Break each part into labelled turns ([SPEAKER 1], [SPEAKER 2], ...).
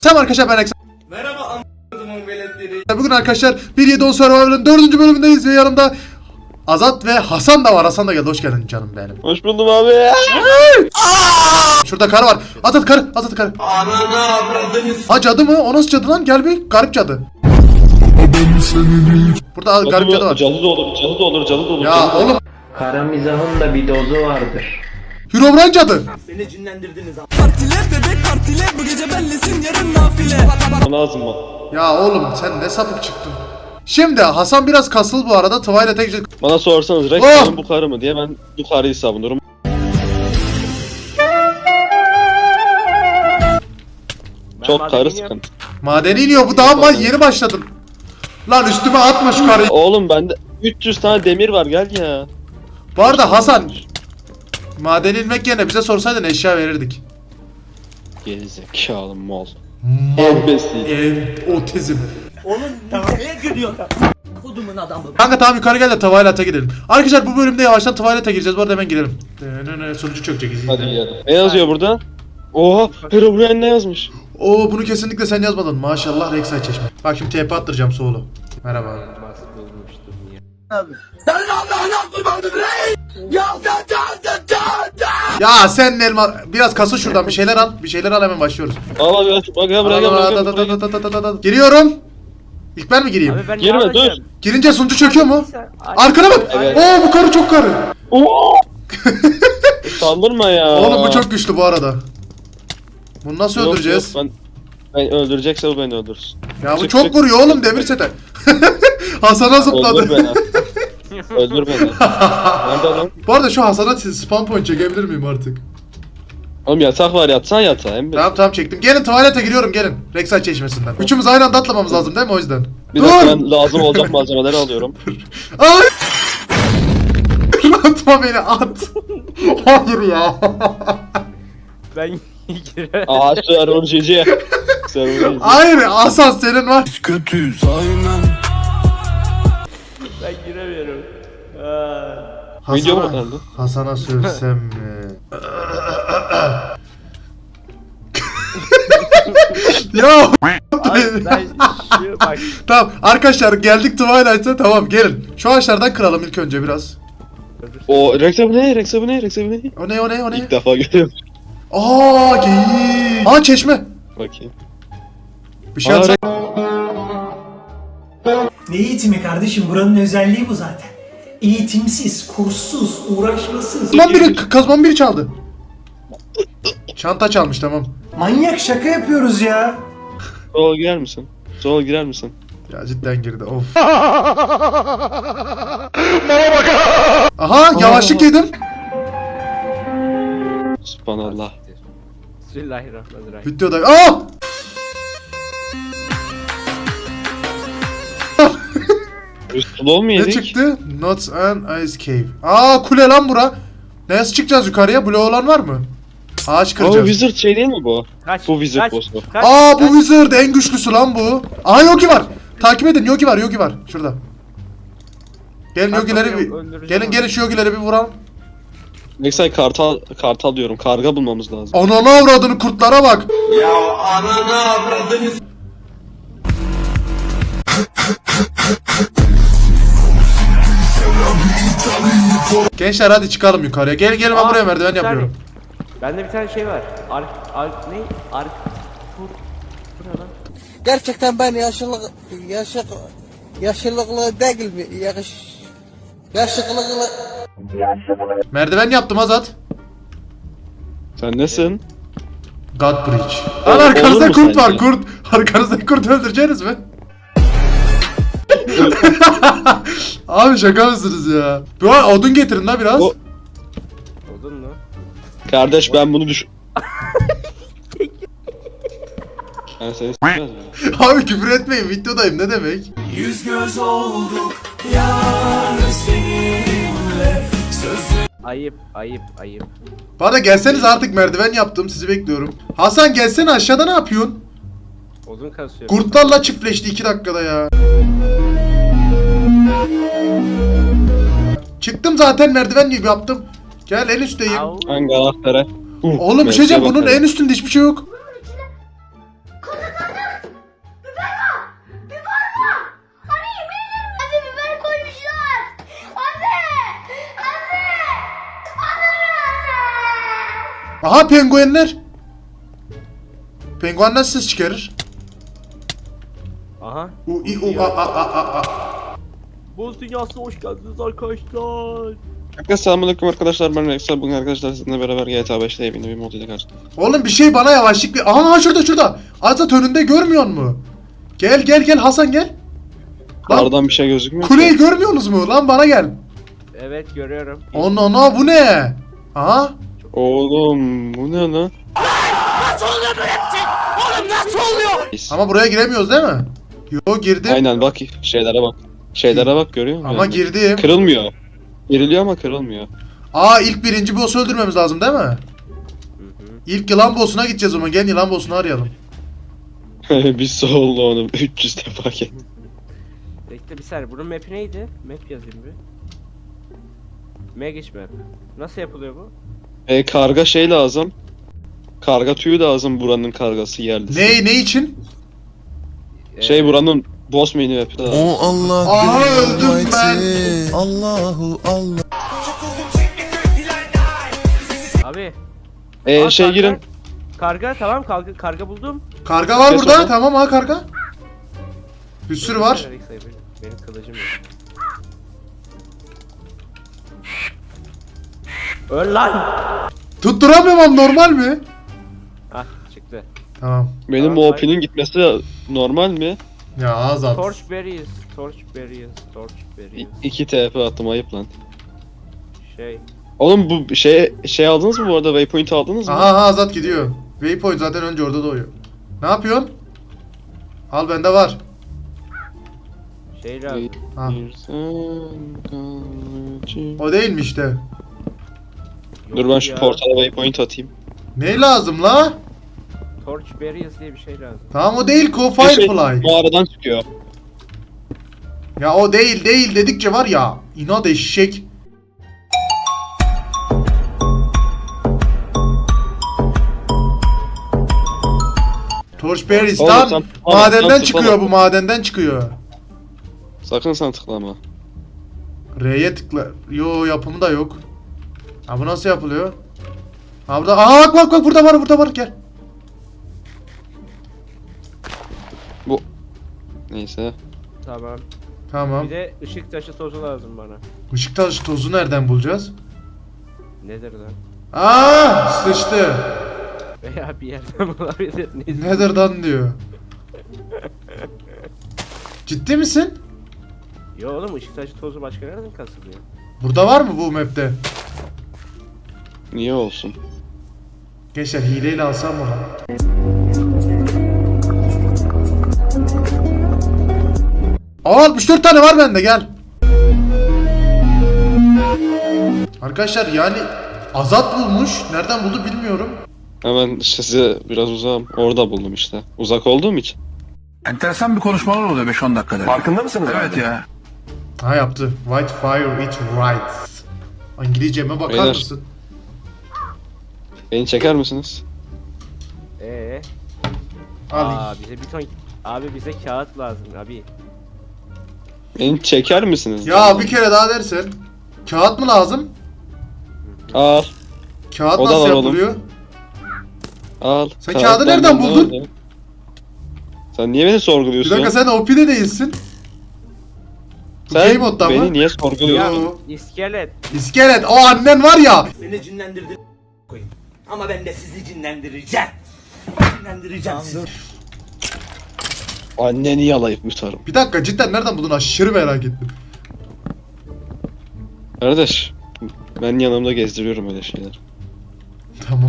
[SPEAKER 1] Selam arkadaşlar, ben Eksan.
[SPEAKER 2] Merhaba anladım veletleri.
[SPEAKER 1] Bugün arkadaşlar 1.7.10 Survival'ın 4. bölümündeyiz ve yanımda Azat ve Hasan da var. Hasan da geldi. Hoş geldin canım benim.
[SPEAKER 3] Hoş buldum abi.
[SPEAKER 1] Şurada karı var. Azat karı. Azat karı.
[SPEAKER 2] Ananı avradınız.
[SPEAKER 1] Ha, cadı mı? O nasıl cadı lan? Gel bir. Garip cadı. Burada garip cadı var.
[SPEAKER 3] Cadı da olur, cadı da olur, cadı da olur.
[SPEAKER 1] Ya oğlum.
[SPEAKER 4] Kara mizahın da bir dozu vardır.
[SPEAKER 1] Herobrine cadı.
[SPEAKER 2] Beni cinlendirdiniz abi.
[SPEAKER 5] Partile bebek partile bu gece bellisin yarın nafile.
[SPEAKER 3] Bana lazım mı?
[SPEAKER 1] Ya oğlum sen ne sapık çıktın. Şimdi Hasan biraz kasıl bu arada. Twilight'e gidecek.
[SPEAKER 3] Bana sorsanız Rex
[SPEAKER 1] Oh!
[SPEAKER 3] benim bu karı mı diye ben bu karıyı savunurum. Çok karı sıkıntı.
[SPEAKER 1] Madeni iniyor bu daha mı? Yeni başladım. Lan üstüme atma şu karıyı.
[SPEAKER 3] Oğlum bende 300 tane demir var gel ya.
[SPEAKER 1] Bu arada Hasan, madeni inmek yerine bize sorsaydın eşya verirdik.
[SPEAKER 3] Gerizekalı mal.
[SPEAKER 1] Mal.
[SPEAKER 3] Embesi.
[SPEAKER 1] Otizm.
[SPEAKER 2] Oğlum neye gülüyor? Kodumun adamı.
[SPEAKER 1] Kanka tamam, yukarı gel de Twilight'a gidelim. Arkadaşlar bu bölümde yavaştan Twilight'a gireceğiz. Bu arada hemen girelim. Sonucu çökecek.
[SPEAKER 3] Hadi gidelim. Ne yazıyor burada? Oha Herobrine ne yazmış?
[SPEAKER 1] Oo, bunu kesinlikle sen yazmadın. Maşallah Rek'Sai Çeşme. Bak şimdi TP attıracağım Soğulu. Merhaba.
[SPEAKER 2] Senin Allah'ın yaptırmadın rey. Ya
[SPEAKER 1] Ya sen elma biraz kası şuradan, bir şeyler al. Bir şeyler al, hemen başlıyoruz.
[SPEAKER 3] Al bak ya buraya gel.
[SPEAKER 1] Giriyorum. İlk ben mi gireyim?
[SPEAKER 6] Abi ben ne
[SPEAKER 3] Girme dur.
[SPEAKER 6] yapacağım?
[SPEAKER 1] Girince sunucu çöküyor mu? Arkana bak.
[SPEAKER 3] Evet.
[SPEAKER 1] Oo, bu karı çok karı.
[SPEAKER 3] Oo! Saldırma ya.
[SPEAKER 1] Oğlum bu çok güçlü bu arada. Bunu nasıl
[SPEAKER 3] Yok,
[SPEAKER 1] öldüreceğiz?
[SPEAKER 3] yok, ben öldürecekse o beni öldürsün.
[SPEAKER 1] Ya bu
[SPEAKER 3] Çık,
[SPEAKER 1] çok
[SPEAKER 3] çık.
[SPEAKER 1] vuruyor oğlum, demir sete. Hasan'a
[SPEAKER 3] Öldür
[SPEAKER 1] zıpladı.
[SPEAKER 3] beni. Öldür beni. Nerede lan?
[SPEAKER 1] Bu arada şu Hasan'a spawn point çekebilir miyim artık?
[SPEAKER 3] Oğlum yatak var yatsan yatağa hem
[SPEAKER 1] Tamam çektim. Gelin Twilight'a giriyorum, gelin. Rek'Sai Çeşmesi'nden. Üçümüz aynı anda atlamamız lazım değil mi, o yüzden?
[SPEAKER 3] Bir dakika ben lazım olacak malzemeleri alıyorum.
[SPEAKER 1] Ay! Atma beni, at. Hayır ya.
[SPEAKER 6] Ben girerim.
[SPEAKER 3] Aa server GG. Server GG.
[SPEAKER 1] Hayır, Hasan senin var.
[SPEAKER 5] Kötüyüz aynen.
[SPEAKER 6] Ben giremiyorum.
[SPEAKER 3] Video mu kaldı?
[SPEAKER 1] Hasan'a söylesem mi? Ya
[SPEAKER 6] Abi ben şu bak.
[SPEAKER 1] tamam arkadaşlar, geldik Twilight'a. Tamam gelin. Şu ağaçlardan kıralım ilk önce biraz.
[SPEAKER 3] O Rex abi ne? Rex abi ne? Rex abi ne?
[SPEAKER 1] O ne o ne o ne?
[SPEAKER 3] İlk defa görüyorum.
[SPEAKER 1] Aa, geyik. Aa, çeşme.
[SPEAKER 3] Bakayım.
[SPEAKER 1] Bir şey
[SPEAKER 3] Aa,
[SPEAKER 1] atsak.
[SPEAKER 7] Ne eğitimi kardeşim? Buranın özelliği bu zaten. Eğitimsiz, kurssuz, uğraşmasız.
[SPEAKER 1] Kazmam biri çaldı. Çanta çalmış, tamam.
[SPEAKER 7] Manyak, şaka yapıyoruz ya.
[SPEAKER 3] Sol girer misin? Sol girer misin?
[SPEAKER 1] Ya cidden girdi, of. Aha, yavaşlık yedim.
[SPEAKER 3] Subhanallah.
[SPEAKER 6] Bismillahirrahmanirrahim.
[SPEAKER 1] Videoda. Aa!
[SPEAKER 3] Slow mu
[SPEAKER 1] Ne
[SPEAKER 3] yedik?
[SPEAKER 1] çıktı? Nuts and Ice Cave. Aa, kule lan bura. Nasıl çıkacağız yukarıya? Bloğu olan var mı? Ağaç
[SPEAKER 3] Aa
[SPEAKER 1] kıracağız.
[SPEAKER 3] Wizard şey değil mi bu?
[SPEAKER 6] Kaç.
[SPEAKER 3] Bu Wizard
[SPEAKER 6] kaç,
[SPEAKER 3] boss'u.
[SPEAKER 6] kaç,
[SPEAKER 1] Aa, bu
[SPEAKER 6] kaç.
[SPEAKER 1] Wizard en güçlüsü lan bu. Aa, Yogi var. Takip edin, Yogi var, Yogi var. Şurada. Gelin
[SPEAKER 6] Ben
[SPEAKER 1] Yogi'leri
[SPEAKER 6] bakıyorum,
[SPEAKER 1] bir...
[SPEAKER 6] öldüreceğim
[SPEAKER 1] Gelin
[SPEAKER 6] onu.
[SPEAKER 1] şu Yogi'leri bir vuralım.
[SPEAKER 3] Nexay kartal diyorum. Karga bulmamız lazım.
[SPEAKER 1] Ananı avradını, kurtlara bak.
[SPEAKER 2] Ya ananı avradınız.
[SPEAKER 1] Gençler hadi çıkalım yukarıya. Gelin ben
[SPEAKER 6] Aa,
[SPEAKER 1] buraya merdiven
[SPEAKER 6] bir saniye.
[SPEAKER 1] yapıyorum.
[SPEAKER 6] Bende bir tane şey var. Ne? Bu ne lan?
[SPEAKER 8] Gerçekten ben yaşlılıklı değil mi? Yaşlılıklı.
[SPEAKER 1] Merdiven yaptım Azat.
[SPEAKER 3] Sen nesin?
[SPEAKER 1] God Bridge. Lan
[SPEAKER 3] Olur
[SPEAKER 1] arkanızda
[SPEAKER 3] mu
[SPEAKER 1] kurt var,
[SPEAKER 3] sence?
[SPEAKER 1] kurt. Arkanızda kurt öldüreceğiniz mi? Abi şaka mısınız ya? Bu an odun getirin la biraz.
[SPEAKER 3] O-
[SPEAKER 6] Odun mu?
[SPEAKER 3] Kardeş ben bunu düş... Ben seni s**mez miyim?
[SPEAKER 1] Abi küfür etmeyin, videodayım, ne demek?
[SPEAKER 5] Yüz göz olduk yar seninle.
[SPEAKER 6] Ayıp.
[SPEAKER 1] Bana gelseniz, artık merdiven yaptım, sizi bekliyorum. Hasan gelsene aşağıda, ne yapıyorsun?
[SPEAKER 6] Odun kasıyor.
[SPEAKER 1] Kurtlarla çiftleşti 2 dakikada ya. Çıktım zaten, merdiven gibi yaptım. Gel, en üstteyim.
[SPEAKER 6] Au.
[SPEAKER 3] Hangi anahtarı?
[SPEAKER 1] Oğlum bir şey diyeceğim, bunun en üstünde hiçbir şey yok. Aha penguenler. Penguenler ses çıkarır.
[SPEAKER 6] Aha.
[SPEAKER 1] U i u a a a a.
[SPEAKER 6] Boz dünyasına hoş geldiniz arkadaşlar.
[SPEAKER 3] Herkese selamünaleyküm arkadaşlar, ben Rexel. Bugün arkadaşlar sizinle beraber GTA 5'te yeni bir mod ile karşınızdayım.
[SPEAKER 1] Oğlum bir şey bana yavaşlık bir. Aha şurada. Azat önünde görmüyor mu? Gel Hasan gel. Lan
[SPEAKER 3] Kardan bir şey gözükmüyor.
[SPEAKER 1] kuleyi görmüyorsunuz mu? Lan bana gel.
[SPEAKER 6] Evet görüyorum.
[SPEAKER 1] Ana bu ne? Aha.
[SPEAKER 3] Oğlum bu ne lan?
[SPEAKER 1] Ama buraya giremiyoruz değil mi? Yo girdim.
[SPEAKER 3] Aynen bak şeylere bak. Şeylere bak, görüyor musun?
[SPEAKER 1] Ama girdim.
[SPEAKER 3] Kırılmıyor. Giriliyor ama kırılmıyor.
[SPEAKER 1] Aa ilk birinci boss'u öldürmemiz lazım değil mi? İlk yılan boss'una gideceğiz o zaman. Gel yılan boss'unu arayalım.
[SPEAKER 3] Biz solda onu 300 defa gel.
[SPEAKER 6] Bekle bir saniye. Bunun map'i neydi? Map yazayım bir. Magic map. Nasıl yapılıyor bu?
[SPEAKER 3] Karga şey lazım. Karga tüyü lazım, buranın kargası yerlisi.
[SPEAKER 1] Ne için?
[SPEAKER 3] Şey buranın boss mini map'i lazım.
[SPEAKER 5] O Allah
[SPEAKER 1] Aha öldüm ben.
[SPEAKER 5] Allahu Allah.
[SPEAKER 6] Abi.
[SPEAKER 3] Şey
[SPEAKER 6] karga.
[SPEAKER 3] girin.
[SPEAKER 6] Karga tamam karga buldum.
[SPEAKER 1] Karga var
[SPEAKER 3] Kes
[SPEAKER 1] burada.
[SPEAKER 3] onu.
[SPEAKER 1] Tamam ha karga. Bir sürü var.
[SPEAKER 6] Benim kılıcım yok. Öl lan.
[SPEAKER 1] Tutturamıyorum ama normal mi?
[SPEAKER 6] Ah çıktı.
[SPEAKER 1] Tamam.
[SPEAKER 3] Benim
[SPEAKER 6] Tamam,
[SPEAKER 3] OP'nin gitmesi normal mi?
[SPEAKER 1] Ya Azat.
[SPEAKER 6] Torch berries.
[SPEAKER 3] 2 TP attım, ayıp lan.
[SPEAKER 6] Şey.
[SPEAKER 3] Oğlum bu şey aldınız mı bu arada? Waypoint aldınız mı?
[SPEAKER 1] Aha Azat gidiyor. Waypoint zaten önce orada doğuyor. Ne yapıyorsun? Al bende var.
[SPEAKER 6] Şey lazım.
[SPEAKER 1] Ha.
[SPEAKER 3] Bir sen kalıcı.
[SPEAKER 1] O değil mi işte?
[SPEAKER 3] Dur ben şu
[SPEAKER 6] Ya.
[SPEAKER 3] portala waypoint atayım.
[SPEAKER 1] Ne lazım la?
[SPEAKER 6] Torch berries diye bir şey lazım.
[SPEAKER 1] Tamam o değil ki o
[SPEAKER 3] Bir şey
[SPEAKER 1] Firefly.
[SPEAKER 3] mağaradan çıkıyor.
[SPEAKER 1] Ya o değil dedikçe var ya. İnat eşek. Torchberries
[SPEAKER 3] Oğlum
[SPEAKER 1] lan
[SPEAKER 3] sen-
[SPEAKER 1] madenden
[SPEAKER 3] sen
[SPEAKER 1] çıkıyor
[SPEAKER 3] tıklama.
[SPEAKER 1] bu madenden çıkıyor.
[SPEAKER 3] Sakın sen tıklama.
[SPEAKER 1] R'ye tıkla. Yo yapımı da yok. Ha bu nasıl yapılıyor? Ha burada. Aa bak burada var gel.
[SPEAKER 3] Neyse.
[SPEAKER 6] Tamam.
[SPEAKER 1] Tamam.
[SPEAKER 6] Bir de ışık taşı tozu lazım bana.
[SPEAKER 1] Işık taşı tozu nereden bulacağız?
[SPEAKER 6] Nedir lan?
[SPEAKER 1] Aa sıçtı.
[SPEAKER 6] Veya bir yerden bulabilir. Nedir?
[SPEAKER 1] Nether'dan diyor. Ciddi misin?
[SPEAKER 6] Yo oğlum ışık taşı tozu başka nereden kasılıyor?
[SPEAKER 1] Burada var mı bu map'te?
[SPEAKER 3] Niye olsun?
[SPEAKER 1] Gençler hileyle alsam mı? Aa 64 tane var bende gel. Arkadaşlar yani Azat bulmuş. Nereden buldu bilmiyorum.
[SPEAKER 3] Hemen size biraz uzağım. Orada buldum işte. Uzak olduğum için.
[SPEAKER 9] Enteresan bir konuşmalar oluyor 5-10 dakikada. Farkında mısınız? Evet ya.
[SPEAKER 1] Ha yaptı. White fire it right. İngilizceme bakar
[SPEAKER 3] Beyler.
[SPEAKER 1] mısın?
[SPEAKER 3] Beni çeker misiniz?
[SPEAKER 1] Al.
[SPEAKER 6] Aa bize bir ton... Abi bize kağıt lazım abi.
[SPEAKER 3] Beni çeker misiniz?
[SPEAKER 1] Ya bir kere daha dersen. Kağıt mı lazım?
[SPEAKER 3] Al.
[SPEAKER 1] Kağıt
[SPEAKER 3] O da
[SPEAKER 1] nasıl
[SPEAKER 3] var oğlum.
[SPEAKER 1] yapılıyor?
[SPEAKER 3] Al.
[SPEAKER 1] Sen kağıdı nereden buldun?
[SPEAKER 3] nerede? Sen niye beni
[SPEAKER 1] Bir
[SPEAKER 3] sorguluyorsun?
[SPEAKER 1] dakika sen OP'de değilsin. Bu
[SPEAKER 3] Sen
[SPEAKER 1] game modda
[SPEAKER 3] beni
[SPEAKER 1] mı?
[SPEAKER 3] niye sorguluyorsun?
[SPEAKER 1] Yo.
[SPEAKER 6] İskelet.
[SPEAKER 1] İskelet o annen var ya.
[SPEAKER 2] Beni cinlendirdin koyayım. Ama ben de sizi cinlendireceğim. Cinlendireceğim sizi.
[SPEAKER 3] Anneni yalayıp yutarım.
[SPEAKER 1] Bir dakika cidden nereden buldun aşırı merak ettim.
[SPEAKER 3] Kardeş. Ben yanımda gezdiriyorum öyle şeyler.
[SPEAKER 1] Tamam.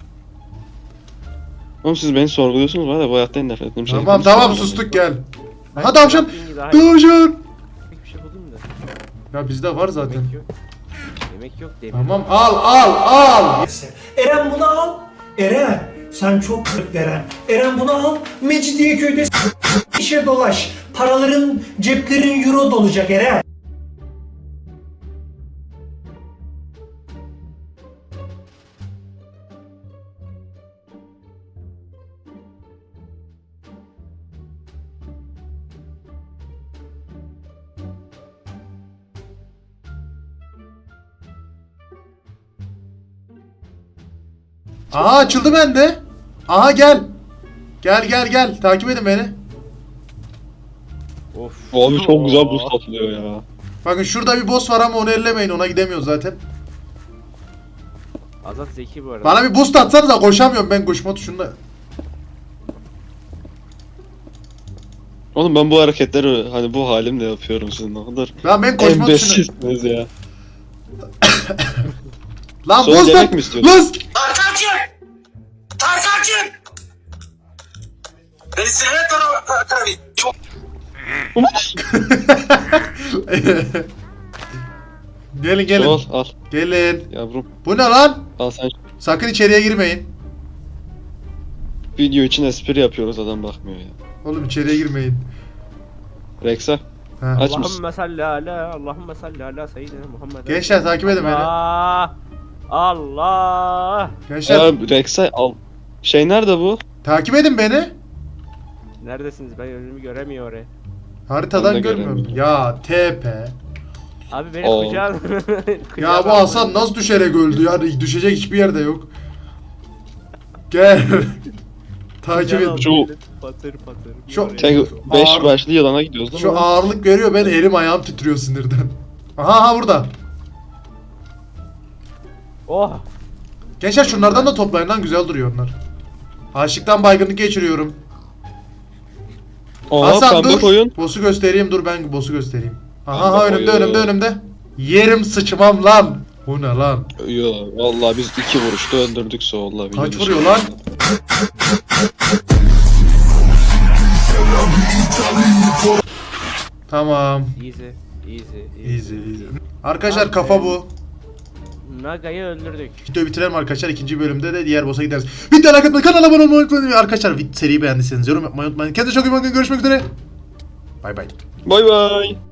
[SPEAKER 3] Oğlum siz beni sorguluyorsunuz, var ya bu hayatta en nefret ettiğim şey.
[SPEAKER 1] Tamam sustuk gel. Aha tavşan.
[SPEAKER 6] Daha
[SPEAKER 1] Tavşan.
[SPEAKER 6] bir şey buldum da.
[SPEAKER 1] Ya bizde var zaten.
[SPEAKER 6] Yemek yok. Yemek yok demir.
[SPEAKER 1] Tamam al.
[SPEAKER 7] Eren bunu al. Eren sen çok kırık Eren. Eren bunu al. Mecidiyeköy'de işe dolaş. Paraların ceplerin euro dolacak Eren.
[SPEAKER 1] Aha açıldı bende. Aha gel. Gel. Takip edin beni.
[SPEAKER 6] Of.
[SPEAKER 3] Abi çok güzel boost atılıyor ya.
[SPEAKER 1] Bakın şurada bir boss var ama onu ellemeyin. Ona gidemiyoruz zaten.
[SPEAKER 6] Azat zeki bu arada.
[SPEAKER 1] Bana bir boost atsanıza, koşamıyorum ben koşma tuşunda.
[SPEAKER 3] Oğlum ben bu hareketleri hani bu halimle yapıyorum sizin ne kadar
[SPEAKER 1] Lan ben koşma tuşunda.
[SPEAKER 3] embesizsiniz ya.
[SPEAKER 1] Lan
[SPEAKER 3] Sonra
[SPEAKER 1] boost
[SPEAKER 3] yemek
[SPEAKER 1] at.
[SPEAKER 3] mi istiyorsun?
[SPEAKER 1] Lan. Gelin.
[SPEAKER 3] Al
[SPEAKER 1] Gelin.
[SPEAKER 3] yavrum.
[SPEAKER 1] Bu ne lan?
[SPEAKER 3] Al sen.
[SPEAKER 1] Sakın içeriye girmeyin.
[SPEAKER 3] Video için espri yapıyoruz adam bakmıyor ya.
[SPEAKER 1] Oğlum içeriye girmeyin.
[SPEAKER 3] Rex'a
[SPEAKER 1] Ha.
[SPEAKER 3] aç mısın?
[SPEAKER 6] Allahümme salli ala, Allahümme salli ala seyyidina Muhammed.
[SPEAKER 1] Gençler takip edin beni.
[SPEAKER 6] Allah.
[SPEAKER 1] Gençler
[SPEAKER 3] Ya Rex'a al. Şey nerede bu?
[SPEAKER 1] takip edin beni.
[SPEAKER 6] Neredesiniz? Ben önümü göremiyorum oraya.
[SPEAKER 1] Haritadan
[SPEAKER 3] Ben de
[SPEAKER 1] görmüyorum.
[SPEAKER 3] göremiyorum.
[SPEAKER 1] Ya TP.
[SPEAKER 6] Abi beni
[SPEAKER 3] Oo.
[SPEAKER 6] kucağına...
[SPEAKER 1] Ya bu Hasan nasıl düşerek öldü ya? Düşecek hiçbir yerde yok. Gel. Takip edin.
[SPEAKER 3] Şu-
[SPEAKER 6] Patır patır.
[SPEAKER 1] Şu-
[SPEAKER 3] Sen 5
[SPEAKER 1] Ağır-
[SPEAKER 3] başlı yılana gidiyoruz değil mi?
[SPEAKER 1] Şu ağırlık görüyor, ben elim ayağım titriyor sinirden. Aha burada.
[SPEAKER 6] Oh.
[SPEAKER 1] Gençler şunlardan da toplayın lan, güzel duruyor onlar. Açlıktan baygınlık geçiriyorum.
[SPEAKER 3] Oha
[SPEAKER 1] Hasan
[SPEAKER 3] pembe
[SPEAKER 1] dur.
[SPEAKER 3] koyun.
[SPEAKER 1] Boss'u göstereyim, dur ben boss'u göstereyim. Aha
[SPEAKER 3] Pembe
[SPEAKER 1] önümde
[SPEAKER 3] koyun.
[SPEAKER 1] önümde. Yerim sıçmam lan. Bu ne lan?
[SPEAKER 3] Yo vallahi biz 2 vuruşta öldürdük Soğul'la.
[SPEAKER 1] Kaç vuruyor lan? Tamam.
[SPEAKER 6] Easy.
[SPEAKER 1] Arkadaşlar kafa bu.
[SPEAKER 6] Naga'yı öldürdük.
[SPEAKER 1] Videoyu bitirelim arkadaşlar. İkinci bölümde de diğer boss'a gideriz. Videoyu like atmayı, kanala abone olmayı unutmayın. Arkadaşlar seriyi beğendiyseniz yorum yapmayı unutmayın. Kendinize çok iyi bakın. Görüşmek üzere. Bay bay.
[SPEAKER 3] Bay bay.